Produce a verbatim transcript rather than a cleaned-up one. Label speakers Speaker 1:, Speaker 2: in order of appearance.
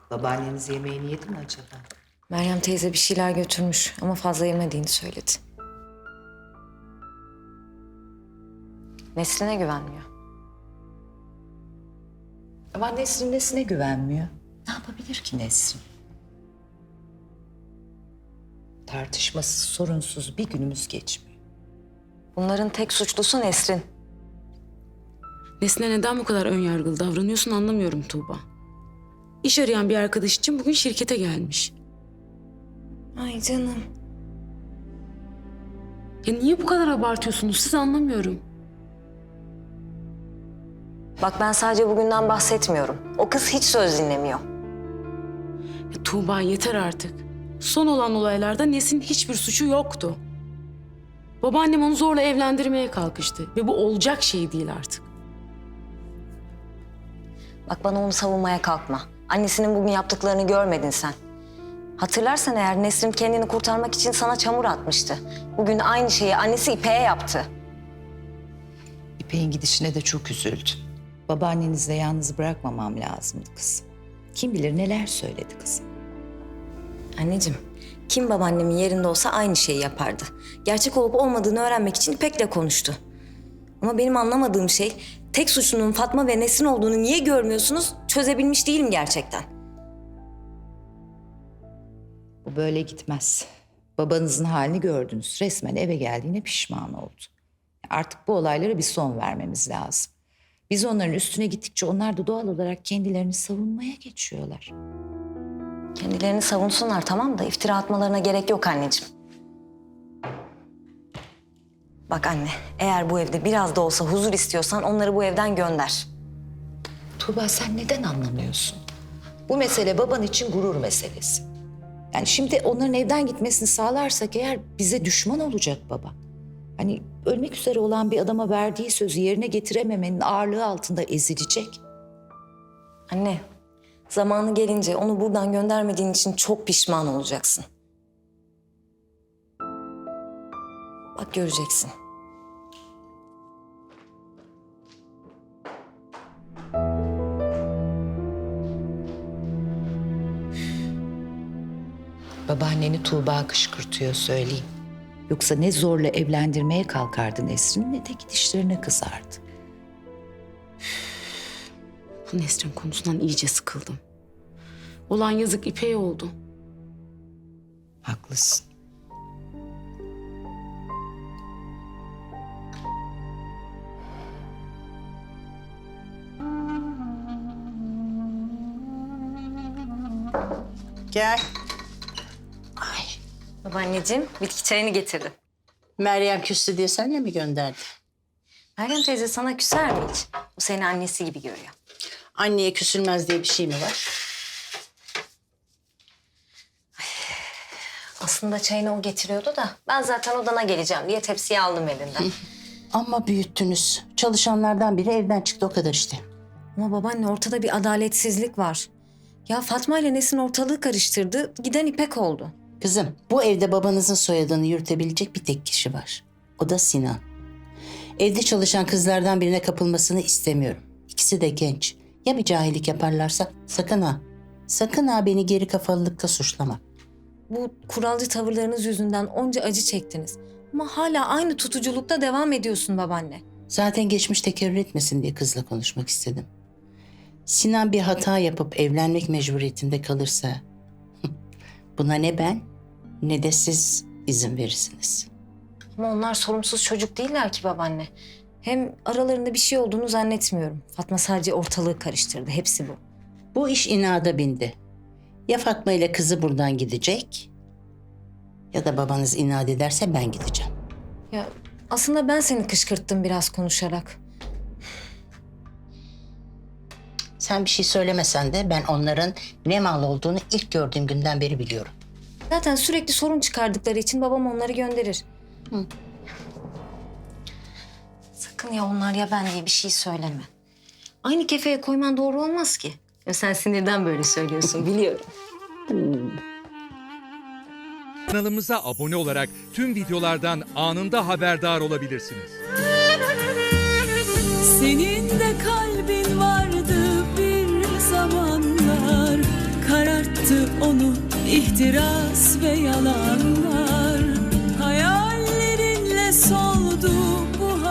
Speaker 1: Babaanneniz yemeğini yedi mi acaba?
Speaker 2: Meryem teyze bir şeyler götürmüş ama fazla yemediğini söyledi. Nesrin'e güvenmiyor.
Speaker 1: Ama Nesrin nesine güvenmiyor? Ne yapabilir ki Nesrin? Tartışmasız, sorunsuz bir günümüz geçmiyor.
Speaker 2: Bunların tek suçlusu Nesrin.
Speaker 3: Nesline neden bu kadar önyargılı davranıyorsun anlamıyorum Tuğba. İş arayan bir arkadaş için bugün şirkete gelmiş.
Speaker 2: Ay canım.
Speaker 3: Ya niye bu kadar abartıyorsunuz siz anlamıyorum.
Speaker 2: Bak ben sadece bugünden bahsetmiyorum. O kız hiç söz dinlemiyor.
Speaker 3: Ya Tuğba yeter artık. Son olan olaylarda Nesin'in hiçbir suçu yoktu. Babaannem onu zorla evlendirmeye kalkıştı ve bu olacak şey değil artık.
Speaker 2: Bak bana onu savunmaya kalkma. Annesinin bugün yaptıklarını görmedin sen. Hatırlarsan eğer Nesrin kendini kurtarmak için sana çamur atmıştı. Bugün aynı şeyi annesi İpek'e yaptı.
Speaker 1: İpek'in gidişine de çok üzüldüm. Babaannenizle yalnız bırakmamam lazımdı kızım. Kim bilir neler söyledi kızım.
Speaker 2: Anneciğim, kim babaannemin yerinde olsa aynı şeyi yapardı. Gerçek olup olmadığını öğrenmek için İpek'le konuştu. Ama benim anlamadığım şey, tek suçlunun Fatma ve Nesrin olduğunu niye görmüyorsunuz, çözebilmiş değilim gerçekten.
Speaker 1: Bu böyle gitmez. Babanızın halini gördünüz. Resmen eve geldiğine pişman oldu. Artık bu olaylara bir son vermemiz lazım. Biz onların üstüne gittikçe onlar da doğal olarak kendilerini savunmaya geçiyorlar.
Speaker 2: Kendilerini savunsunlar tamam da iftira atmalarına gerek yok anneciğim. Bak anne, eğer bu evde biraz da olsa huzur istiyorsan onları bu evden gönder.
Speaker 1: Tuğba sen neden anlamıyorsun? Bu mesele baban için gurur meselesi. Yani şimdi onların evden gitmesini sağlarsak eğer bize düşman olacak baba. Hani ölmek üzere olan bir adama verdiği sözü yerine getirememenin ağırlığı altında ezilecek.
Speaker 2: Anne, zamanı gelince onu buradan göndermediğin için çok pişman olacaksın. Bak göreceksin.
Speaker 1: Babaanneni Tuğba kışkırtıyor söyleyeyim. Yoksa ne zorla evlendirmeye kalkardı Nesrin ne de gidişlerine kızardı.
Speaker 3: Bu Nesrin konusundan iyice sıkıldım. Olan yazık İpek'e oldu.
Speaker 1: Haklısın.
Speaker 4: Gel.
Speaker 2: Babaanneciğim, bitki çayını getirdim.
Speaker 4: Meryem küstü diye senle mi gönderdi?
Speaker 2: Meryem teyze sana küser mi hiç? O seni annesi gibi görüyor.
Speaker 4: Anneye küsülmez diye bir şey mi var?
Speaker 2: Aslında çayını o getiriyordu da ben zaten odana geleceğim diye tepsiyi aldım elinden.
Speaker 4: Ama büyüttünüz. Çalışanlardan biri evden çıktı o kadar işte.
Speaker 2: Ama babaanne ortada bir adaletsizlik var. Ya Fatma ile Nesin ortalığı karıştırdı, giden İpek oldu.
Speaker 4: Kızım bu evde babanızın soyadını yürütebilecek bir tek kişi var. O da Sinan. Evde çalışan kızlardan birine kapılmasını istemiyorum. İkisi de genç. Ya bir cahillik yaparlarsa sakın ha. Sakın ha beni geri kafalılıkta suçlama.
Speaker 2: Bu kuralcı tavırlarınız yüzünden onca acı çektiniz. Ama hala aynı tutuculukta devam ediyorsun babaanne.
Speaker 4: Zaten geçmiş tekerrür etmesin diye kızla konuşmak istedim. Sinan bir hata yapıp evlenmek mecburiyetinde kalırsa buna ne ben ne de siz izin verirsiniz.
Speaker 2: Ama onlar sorumsuz çocuk değiller ki babaanne. Hem aralarında bir şey olduğunu zannetmiyorum. Fatma sadece ortalığı karıştırdı. Hepsi bu.
Speaker 4: Bu iş inada bindi. Ya Fatma ile kızı buradan gidecek ya da babanız inat ederse ben gideceğim.
Speaker 2: Ya aslında ben seni kışkırttım biraz konuşarak.
Speaker 4: Sen bir şey söylemesen de ben onların ne mal olduğunu ilk gördüğüm günden beri biliyorum.
Speaker 2: Zaten sürekli sorun çıkardıkları için babam onları gönderir.
Speaker 4: Hı.
Speaker 2: Sakın ya onlar ya ben diye bir şey söyleme. Aynı kefeye koyman doğru olmaz ki. Ya sen sinirden böyle söylüyorsun biliyorum.
Speaker 5: Kanalımıza abone olarak tüm videolardan anında haberdar olabilirsiniz.
Speaker 6: Senin de kalbin vardı bir zamanlar. sonu ihtiras ve yalanlar. Hayallerinle sol